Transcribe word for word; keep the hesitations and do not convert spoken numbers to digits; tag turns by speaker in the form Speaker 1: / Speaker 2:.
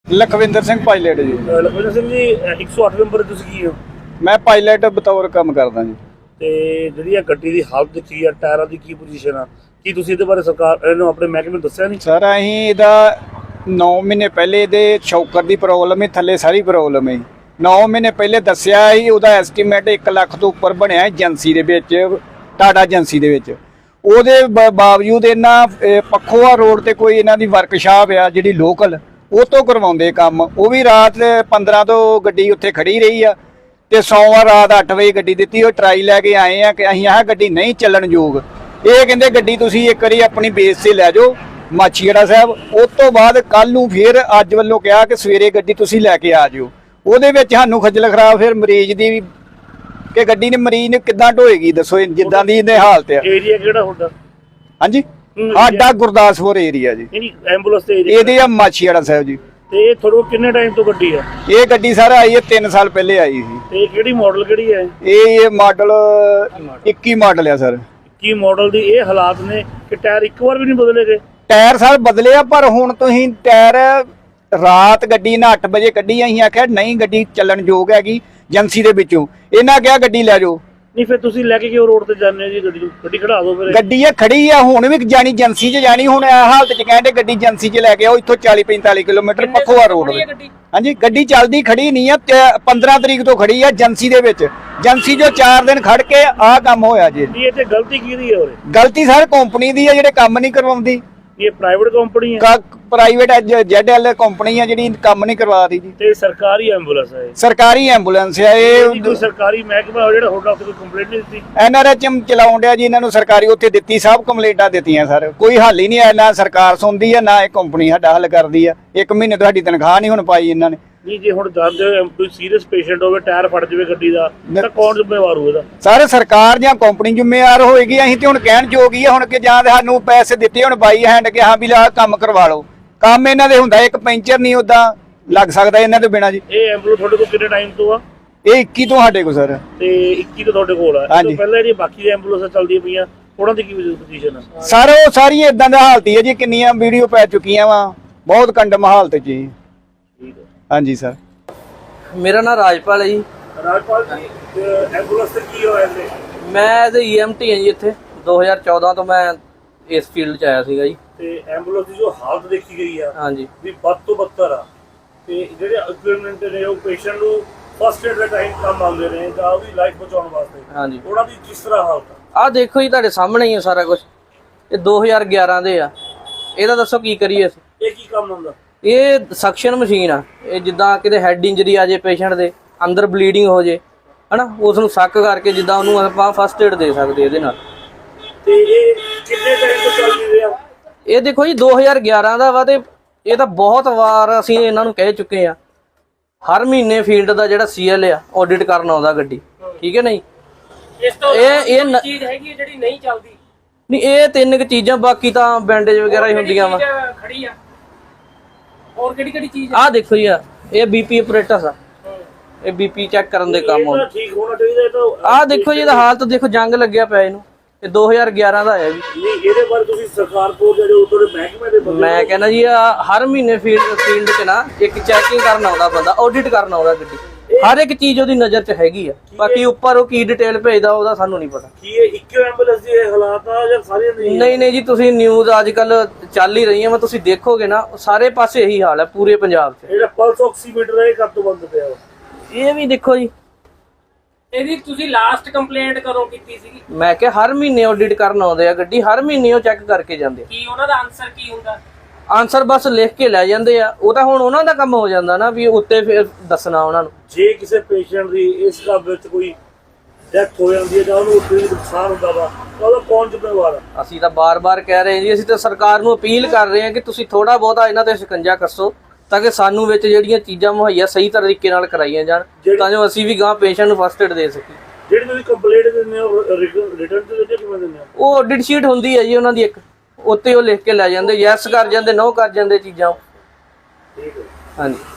Speaker 1: Lakhwinder Singh pilot ji.
Speaker 2: Lakhwinder Singh ji एक सौ आठ नंबर ਤੁਸੀਂ ਕੀ ਹੋ?
Speaker 1: मैं पायलट बतौर काम करदा जी।
Speaker 2: ਤੇ ਜਿਹੜੀ ਆ ਗੱਡੀ ਦੀ ਹਾਲਤ ਦੇਖੀ ਆ, ਟਾਇਰਾਂ ਦੀ ਕੀ ਪੋਜੀਸ਼ਨ ਆ, ਕੀ ਤੁਸੀਂ ਇਹਦੇ ਬਾਰੇ ਸਰਕਾਰ ਨੂੰ ਆਪਣੇ ਮਹਿਕਮੇ ਨੂੰ ਦੱਸਿਆ ਨਹੀਂ?
Speaker 1: सर अहीं ਇਹਦਾ नौ महीने पहले ਇਹਦੇ ਸ਼ੌਕਰ ਦੀ ਪ੍ਰੋਬਲਮ ਹੈ, ਥੱਲੇ ਸਾਰੀ ਪ੍ਰੋਬਲਮ ਹੈ। नौ महीने ਪਹਿਲੇ ਦੱਸਿਆ ਸੀ ਉਹਦਾ ਐਸਟੀਮੇਟ ਇੱਕ ਲੱਖ ਤੋਂ ਉੱਪਰ ਬਣਿਆ ਏਜੰਸੀ ਦੇ ਵਿੱਚ, ਟਾਟਾ ਏਜੰਸੀ ਦੇ ਵਿੱਚ। ਉਹਦੇ ਬਾਵਜੂਦ ਇਹਨਾਂ ਪੱਖੋਆ ਰੋਡ ਤੇ ਕੋਈ ਇਹਨਾਂ ਦੀ ਵਰਕਸ਼ਾਪ ਆ ਜਿਹੜੀ ਲੋਕਲ, ਉਹ ਤੋਂ ਕਰਵਾਉਂਦੇ ਕੰਮ। ਉਹ ਵੀ ਰਾਤ ਪੰਦਰਾਂ ਤੋਂ ਗੱਡੀ ਉੱਥੇ ਖੜੀ ਰਹੀ ਆ ਤੇ ਸੋਮਵਾਰ ਰਾਤ ਅੱਠ ਵਜੇ ਗੱਡੀ ਦਿੱਤੀ। ਉਹ ਟਰਾਈ ਲੈ ਕੇ ਆਏ ਆ ਕਿ ਅਸੀਂ ਆਹ ਗੱਡੀ ਨਹੀਂ ਚੱਲਣ ਯੋਗ। ਇਹ ਕਹਿੰਦੇ ਗੱਡੀ ਤੁਸੀਂ ਇੱਕ ਵਾਰੀ ਆਪਣੀ ਬੇਸ ਤੇ ਲੈ ਜਾਓ ਮਾਛੀਵਾੜਾ ਸਾਹਿਬ। ਉਸ ਤੋਂ ਬਾਅਦ ਕੱਲ ਨੂੰ ਫਿਰ ਅੱਜ ਵੱਲੋਂ ਕਿਹਾ ਕਿ ਸਵੇਰੇ ਗੱਡੀ ਤੁਸੀਂ ਲੈ ਕੇ ਆ ਜਿਓ। ਉਹਦੇ ਵਿੱਚ ਸਾਨੂੰ ਖੱਜਲ ਖਰਾਬ ਫਿਰ ਮਰੀਜ਼ ਦੀ ਵੀ ਕਿ ਗੱਡੀ ਨੇ ਮਰੀਜ਼ ਨੇ ਕਿੱਦਾਂ ਢੋਏਗੀ ਦੱਸੋ, ਜਿੱਦਾਂ ਦੀ ਇਹਦੇ ਹਾਲਤ ਆ।
Speaker 2: ਏਰੀਆ ਕਿਹੜਾ ਹੁੰਦਾ?
Speaker 1: ਹਾਂਜੀ ਸਾਡਾ ਗੁਰਦਾਸਪੁਰ ਏਰੀਆ ਜੀ।
Speaker 2: ਨਹੀਂ ਐਂਬੂਲੈਂਸ ਤੇ ਏਰੀਆ
Speaker 1: ਇਹਦੇ ਆ ਮਾਛੀਵਾੜਾ ਸਾਹਿਬ ਜੀ।
Speaker 2: ਤੇ ਇਹ ਤੁਹਾਡੇ ਕੋਲ ਕਿੰਨੇ ਟਾਈਮ ਤੋਂ ਗੱਡੀ ਆ?
Speaker 1: ਇਹ ਗੱਡੀ ਸਰ ਆਈ ਹੈ ਤਿੰਨ ਸਾਲ ਪਹਿਲੇ ਆਈ ਸੀ।
Speaker 2: ਤੇ ਕਿਹੜੀ ਮਾਡਲ ਕਿਹੜੀ ਹੈ
Speaker 1: ਇਹ? ਇਹ ਮਾਡਲ ਇੱਕੀ ਮਾਡਲ ਆ ਸਰ।
Speaker 2: ਕੀ ਮਾਡਲ ਦੀ ਇਹ ਹਾਲਾਤ ਨੇ ਕਿ ਟਾਇਰ ਇੱਕ ਵਾਰ ਵੀ ਨਹੀਂ ਬਦਲੇ ਗਏ?
Speaker 1: ਟਾਇਰ ਸਰ ਬਦਲੇ ਆ, ਪਰ ਹੁਣ ਤੁਸੀਂ ਟਾਇਰ ਰਾਤ ਗੱਡੀ ਨਾ ਅੱਠ ਵਜੇ ਕੱਢੀ। ਅਸੀਂ ਆਖਿਆ ਨਹੀਂ ਗੱਡੀ ਚੱਲਣ ਯੋਗ ਹੈਗੀ ਏਜੰਸੀ ਦੇ ਵਿੱਚੋਂ। ਇਹਨਾਂ ਕਿਹਾ ਗੱਡੀ ਲੈ ਜਾਓ।
Speaker 2: ਨਹੀਂ ਫਿਰ ਤੁਸੀਂ ਲੈ ਕੇ ਕਿਉਂ ਰੋਡ ਤੇ ਜਾਂਦੇ ਹੋ ਜੀ? ਗੱਡੀ ਨੂੰ ਗੱਡੀ ਖੜਾ ਦਿਓ ਫਿਰ।
Speaker 1: ਗੱਡੀ ਇਹ ਖੜੀ ਆ, ਹੁਣ ਵੀ ਜਾਣੀ ਏਜੰਸੀ 'ਚ ਜਾਣੀ। ਹੁਣ ਇਹ ਹਾਲਤ 'ਚ ਕਹਿੰਦੇ ਗੱਡੀ ਏਜੰਸੀ 'ਚ ਲੈ ਕੇ ਆਓ। ਇੱਥੋਂ ਚਾਲੀ ਪੈਂਤਾਲੀ ਕਿਲੋਮੀਟਰ ਪੱਖੋਆ ਰੋਡ। ਹਾਂਜੀ ਗੱਡੀ ਚੱਲਦੀ ਖੜੀ ਨਹੀਂ ਆ, ਪੰਦਰਾਂ ਤਰੀਕ ਤੋਂ ਖੜੀ ਆ ਏਜੰਸੀ ਦੇ ਵਿੱਚ। ਏਜੰਸੀ ਜੋ ਚਾਰ ਦਿਨ ਖੜ ਕੇ ਆਹ ਕੰਮ ਹੋਇਆ ਜੀ।
Speaker 2: ਇਹ ਤੇ ਗਲਤੀ ਕਿਹਦੀ ਹੈ?
Speaker 1: ਗਲਤੀ ਸਰ ਕੰਪਨੀ ਦੀ ਆ ਜਿਹੜੇ ਕੰਮ ਨਹੀਂ ਕਰਵਾਉਂਦੀ।
Speaker 2: ਇਹ ਪ੍ਰਾਈਵੇਟ ਕੰਪਨੀ ਹੈ?
Speaker 1: ਪ੍ਰਾਈਵੇਟ ਜ਼ੈਡ ਐਲ ਕੰਪਨੀ ਆ ਜਿਹੜੀ ਕੰਮ ਨਹੀਂ ਕਰਵਾ ਰਹੀ ਜੀ।
Speaker 2: ਤੇ ਸਰਕਾਰੀ ਐਂਬੂਲੈਂਸ ਹੈ?
Speaker 1: ਸਰਕਾਰੀ ਐਂਬੂਲੈਂਸ ਆ ਇਹ।
Speaker 2: ਕੋਈ ਸਰਕਾਰੀ ਮਹਿਕਮਾ ਜਿਹੜਾ ਹੋਟਲ ਉੱਤੇ ਕੋਈ ਕੰਪਲੇਂਟ ਨਹੀਂ ਦਿੱਤੀ?
Speaker 1: ਐਨ ਆਰ ਐਚ ਐਮ ਚਲਾਉਣ ਡਿਆ ਜੀ ਇਹਨਾਂ ਨੂੰ ਸਰਕਾਰੀ, ਉੱਥੇ ਦਿੱਤੀ, ਸਭ ਕੰਪਲੇਂਟਾਂ ਦਿੱਤੀਆਂ ਸਰ। ਕੋਈ ਹੱਲ ਹੀ ਨਹੀਂ ਆਇਆ। ਨਾ ਸਰਕਾਰ ਸੁਣਦੀ ਆ ਨਾ ਇਹ ਕੰਪਨੀ ਸਾਡਾ ਹੱਲ ਕਰਦੀ ਆ। ਇੱਕ ਮਹੀਨੇ ਤੋਂ ਸਾਡੀ ਤਨਖਾਹ ਨਹੀਂ ਹੁਣ ਪਾਈ ਇਹਨਾਂ ਨੇ।
Speaker 2: ਨਹੀਂ ਜੇ ਹੁਣ ਜਾਂਦੇ ਕੋਈ ਸੀਰੀਅਸ ਪੇਸ਼ੈਂਟ ਹੋਵੇ, ਟਾਇਰ ਫਟ ਜਾਵੇ ਗੱਡੀ ਦਾ, ਤਾਂ ਕੌਣ ਜ਼ਿੰਮੇਵਾਰ ਹੋਵੇਗਾ?
Speaker 1: ਸਾਰੇ ਸਰਕਾਰ ਜਾਂ ਕੰਪਨੀ ਜ਼ਿੰਮੇਵਾਰ ਹੋਏਗੀ। ਅਸੀਂ ਤੇ ਹੁਣ ਕਹਿਣ ਯੋਗ ਹੀ ਆ ਹੁਣ ਕਿ ਜਾਂ ਸਾਨੂੰ ਪੈਸੇ ਦਿੱਤੇ ਹੁਣ ਬਾਈ ਹੈਂਡ ਕਿ ਹਾਂ ਵੀ ਲਾ ਕੰਮ ਕਰਵਾ ਲਓ। ਕੰਮ ਇਹਨਾਂ ਦੇ ਹੁੰਦਾ, ਇੱਕ ਪੈਂਚਰ ਨਹੀਂ ਉਦਾਂ ਲੱਗ ਸਕਦਾ ਇਹਨਾਂ ਤੋਂ ਬਿਨਾਂ ਜੀ।
Speaker 2: ਇਹ ਐਂਬੂਲੈਂਸ ਤੁਹਾਡੇ ਕੋਲ ਕਿੰਨੇ ਟਾਈਮ ਤੋਂ ਆ?
Speaker 1: ਇਹ ਇੱਕੀ ਤੋਂ ਸਾਡੇ ਕੋਲ ਸਰ।
Speaker 2: ਤੇ ਇੱਕੀ ਤੋਂ ਤੁਹਾਡੇ ਕੋਲ ਆ? ਇਸ ਤੋਂ ਪਹਿਲਾਂ ਜਿਹੜੀ ਬਾਕੀ ਦੀ ਐਂਬੂਲੈਂਸਾਂ ਚੱਲਦੀਆਂ ਪਈਆਂ ਉਹਨਾਂ ਦੀ ਕੀ ਪੋਜੀਸ਼ਨ ਆ?
Speaker 1: ਸਰ ਉਹ ਸਾਰੀਆਂ ਇਦਾਂ ਦਾ ਹਾਲਤ ਹੀ ਹੈ ਜੀ। ਕਿੰਨੀਆਂ ਵੀਡੀਓ ਪੈ ਚੁੱਕੀਆਂ ਵਾ, ਬਹੁਤ ਕੰਡਮ ਹਾਲਤ ਜੀ।
Speaker 2: ਠੀਕ ਹੈ
Speaker 1: ਹਾਂਜੀ ਸਰ।
Speaker 3: ਮੇਰਾ ਨਾਮ ਰਾਜਪਾਲ ਹੈ ਜੀ।
Speaker 2: ਰਾਜਪਾਲ ਜੀ ਐਂਬੂਲੈਂਸ ਤੇ ਕੀ ਹੋਇਆ ਇਹਦੇ?
Speaker 3: ਮੈਂ ਐਜ਼ ਈ ਐਮ ਟੀ ਹਾਂ ਜੀ। ਇੱਥੇ ਦੋ ਹਜ਼ਾਰ ਚੌਦਾਂ ਤੋਂ ਮੈਂ ਇਸ ਫੀਲਡ 'ਚ ਆਇਆ ਸੀਗਾ ਜੀ।
Speaker 2: ਤੇ ਐਂਬੂਲੈਂਸ ਦੀ ਜੋ ਹਾਲਤ ਦੇਖੀ ਗਈ ਆ
Speaker 3: ਹਾਂਜੀ
Speaker 2: ਵੀ ਵੱਧ ਤੋਂ ਬੱਤਰ ਆ। ਤੇ ਜਿਹੜੇ ਇਕਵਿਪਮੈਂਟ ਨੇ ਉਹ ਪੇਸ਼ੈਂਟ ਨੂੰ ਫਸਟ ਏਡ ਦਾ ਟਾਈਮ ਕੰਮ ਆਉਂਦੇ ਨੇ ਜਾਂ ਉਹਦੀ ਲਾਈਫ ਬਚਾਉਣ ਵਾਸਤੇ,
Speaker 3: ਹਾਂਜੀ
Speaker 2: ਉਹਨਾਂ ਦੀ ਕਿਸ ਤਰ੍ਹਾਂ ਹਾਲਤ ਆ?
Speaker 3: ਆਹ ਦੇਖੋ ਜੀ ਤੁਹਾਡੇ ਸਾਹਮਣੇ ਹੀ ਹੈ ਸਾਰਾ ਕੁਝ। ਇਹ ਦੋ ਹਜ਼ਾਰ ਗਿਆਰਾਂ ਦੇ ਆ। ਇਹਦਾ ਦੱਸੋ ਕੀ ਕਰੀਏ ਅਸੀਂ?
Speaker 2: ਇਹ ਕੀ ਕੰਮ ਹੁੰਦਾ? ਇਹ
Speaker 3: ਸਕਸ਼ਨ ਮਸ਼ੀਨ ਆ। ਇਹ ਜਿੱਦਾਂ ਕਿਤੇ ਹੈਡ ਇੰਜਰੀ ਆ ਜੇ ਪੇਸ਼ੈਂਟ ਦੇ, ਅੰਦਰ ਬਲੀਡਿੰਗ ਹੋ ਜੇ ਹਨਾ, ਉਸ ਨੂੰ ਸੱਕ ਕਰਕੇ ਜਿੱਦਾਂ ਉਹਨੂੰ ਆਪਾਂ ਫਸਟ ਏਡ ਦੇ ਸਕਦੇ ਇਹਦੇ ਨਾਲ।
Speaker 2: ਤੇ ਇਹ ਕਿੰਨੇ ਟਾਈਮ ਤੋਂ ਚੱਲ ਰਿਹਾ?
Speaker 3: ਇਹ ਦੇਖੋ ਜੀ ਦੋ ਹਜ਼ਾਰ ਗਿਆਰਾਂ ਦਾ ਵਾ। ਤੇ ਇਹ ਤਾਂ ਬਹੁਤ ਵਾਰ ਅਸੀਂ ਇਹਨਾਂ ਨੂੰ ਕਹਿ ਚੁੱਕੇ ਆ। ਹਰ ਮਹੀਨੇ ਫੀਲਡ ਦਾ ਜਿਹੜਾ ਸੀ ਐਲ ਆ ਆਡਿਟ ਕਰਨ ਆਉਂਦਾ ਗੱਡੀ, ਠੀਕ ਹੈ ਨਹੀਂ?
Speaker 4: ਇਸ ਤੋਂ
Speaker 3: ਇਹ ਇਹ
Speaker 4: ਚੀਜ਼ ਹੈਗੀ ਜਿਹੜੀ ਨਹੀਂ ਚੱਲਦੀ
Speaker 3: ਨਹੀਂ, ਇਹ ਤਿੰਨ ਕੁ ਚੀਜ਼ਾਂ, ਬਾਕੀ ਤਾਂ ਬੈਂਡੇਜ ਵਗੈਰਾ ਹੀ ਹੁੰਦੀਆਂ ਵਾ।
Speaker 4: ਖੜੀ ਆ ਹੋਰ ਕਿਹੜੀ ਕਿਹੜੀ ਚੀਜ਼?
Speaker 3: ਆਹ ਦੇਖੋ ਜੀ, ਆ ਇਹ ਬੀਪੀ ਆਪਰੇਟਸ ਆ। ਇਹ ਬੀਪੀ ਚੈੱਕ ਕਰਨ ਦੇ ਕੰਮ ਆਉਂਦਾ।
Speaker 2: ਠੀਕ ਹੋਣਾ ਚਾਹੀਦਾ ਇਹ ਤਾਂ।
Speaker 3: ਆਹ ਦੇਖੋ ਜੀ, ਇਹਦਾ ਹਾਲਤ ਦੇਖੋ, ਜੰਗ ਲੱਗਿਆ ਪਿਆ ਇਹਨੂੰ। ਇਹ ਦੋ ਹਜ਼ਾਰ ਗਿਆਰਾਂ ਦਾ ਆਇਆ ਜੀ।
Speaker 2: ਨਹੀਂ ਇਹਦੇ ਬਾਰੇ ਤੁਸੀਂ ਸਰਕਾਰ ਕੋਲ ਜਿਹੜੇ ਉਦੋਂ ਦੇ ਮਹਿਕਮੇ ਦੇ ਬੰਦੇ,
Speaker 3: ਮੈਂ ਕਹਿੰਦਾ ਜੀ ਆ ਹਰ ਮਹੀਨੇ ਫੀਲਡ ਫੀਲਡ 'ਚ ਨਾ ਇੱਕ ਚੈਕਿੰਗ ਕਰਨ ਆਉਂਦਾ ਬੰਦਾ, ਆਡਿਟ ਕਰਨ ਆਉਂਦਾ ਗੱਡੀ। ਹਰ ਇੱਕ ਚੀਜ਼ ਉਹਦੀ ਨਜ਼ਰ 'ਚ ਹੈਗੀ ਆ। ਬਾਕੀ ਉੱਪਰ ਉਹ ਕੀ ਡਿਟੇਲ ਭੇਜਦਾ ਉਹਦਾ ਸਾਨੂੰ ਨਹੀਂ ਪਤਾ।
Speaker 2: ਕੀ ਇਹ ਇੱਕੋ ਐਂਬੂਲੈਂਸ ਦੀ ਇਹ ਹਾਲਾਤ ਆ ਜਾਂ ਸਾਰੀਆਂ ਨਹੀਂ?
Speaker 3: ਨਹੀਂ ਨਹੀਂ ਜੀ, ਤੁਸੀਂ ਨਿਊਜ਼ ਅੱਜ ਕੱਲ ਚੱਲ ਹੀ ਰਹੀਆਂ ਵਾ, ਤੁਸੀਂ ਦੇਖੋਗੇ ਨਾ ਸਾਰੇ ਪਾਸੇ ਇਹੀ ਹਾਲ ਹੈ ਪੂਰੇ ਪੰਜਾਬ 'ਚ।
Speaker 2: ਜਿਹੜਾ ਪਲਸ ਆਕਸੀਮੀਟਰ ਹੈ ਇਹ ਕਦ ਤੋਂ ਬੰਦ ਪਿਆ ਵਾ?
Speaker 3: ਇਹ ਵੀ ਦੇਖੋ ਜੀ,
Speaker 4: ਇਹਦੀ ਤੁਸੀਂ ਲਾਸਟ ਕੰਪਲੇਂਟ ਕਦੋਂ ਕੀਤੀ ਸੀਗੀ?
Speaker 3: ਮੈਂ ਕਿਹਾ ਹਰ ਮਹੀਨੇ ਆਡਿਟ ਕਰਨ ਆਉਂਦੇ ਆ ਗੱਡੀ, ਹਰ ਮਹੀਨੇ ਉਹ ਚੈੱਕ ਕਰਕੇ ਜਾਂਦੇ ਆ।
Speaker 4: ਕੀ ਉਹਨਾਂ ਦਾ ਆਨਸਰ ਕੀ ਹੁੰਦਾ?
Speaker 3: ਆਨਸਰ ਬਸ ਲਿਖ ਕੇ ਲੈ ਜਾਂਦੇ ਆ। ਉਹ ਤਾਂ ਹੁਣ ਉਹਨਾਂ ਦਾ ਕੰਮ ਹੋ ਜਾਂਦਾ ਨਾ ਵੀ ਉੱਤੇ ਫਿਰ ਦੱਸਣਾ ਉਹਨਾਂ ਨੂੰ।
Speaker 2: ਜੇ ਕਿਸੇ ਪੇਸ਼ੈਂਟ ਦੀ ਇਸ ਕੰਮ ਵਿੱਚ ਕੋਈ ਡੈਥ ਹੋ ਜਾਂਦੀ ਹੈ ਜਾਂ ਉਹਨੂੰ ਕੋਈ ਨੁਕਸਾਨ ਹੁੰਦਾ ਵਾ ਤਾਂ ਉਹਦਾ ਕੌਣ ਜ਼ਿੰਮੇਵਾਰ ਆ?
Speaker 3: ਅਸੀਂ ਤਾਂ ਬਾਰ-ਬਾਰ ਕਹਿ ਰਹੇ ਹਾਂ ਜੀ, ਅਸੀਂ ਤਾਂ ਸਰਕਾਰ ਨੂੰ ਅਪੀਲ ਕਰ ਰਹੇ ਹਾਂ ਕਿ ਤੁਸੀਂ ਥੋੜਾ ਬਹੁਤਾ ਇਹਨਾਂ ਤੇ ਸ਼ਿਕੰਜਾ ਕੱਸੋ ਤਾਂ ਕਿ ਸਾਨੂੰ ਵਿੱਚ ਜਿਹੜੀਆਂ ਚੀਜ਼ਾਂ ਮੁਹੱਈਆ ਸਹੀ ਤਰੀਕੇ ਨਾਲ ਕਰਾਈਆਂ ਜਾਣ, ਤਾਂ ਜੋ ਅਸੀਂ ਵੀ ਗਾਂ ਪੇਸ਼ੈਂਟ ਨੂੰ ਫਸਟ ਏਡ ਦੇ ਸਕੀਏ।
Speaker 2: ਜਿਹੜੀ ਤੁਸੀਂ ਕੰਪਲੇਂਟ ਦਿੰਦੇ ਹੋ ਰਿਟਰਨ ਤੇ ਦਿੰਦੇ ਕਿਵੇਂ ਦਿੰਦੇ ਹੋ?
Speaker 3: ਉਹ ਆਡਿਟ ਸ਼ੀਟ ਹੁੰਦੀ ਹੈ ਜੀ ਉਹਨਾਂ ਦੀ ਇੱਕ, ਉੱਤੇ ਉਹ ਲਿਖ ਕੇ ਲੈ ਜਾਂਦੇ, ਯੈਸ ਕਰ ਜਾਂਦੇ, ਨੋ ਕਰ ਜਾਂਦੇ ਚੀਜ਼ਾਂ।
Speaker 2: ਠੀਕ ਹੈ।
Speaker 3: ਹਾਂਜੀ।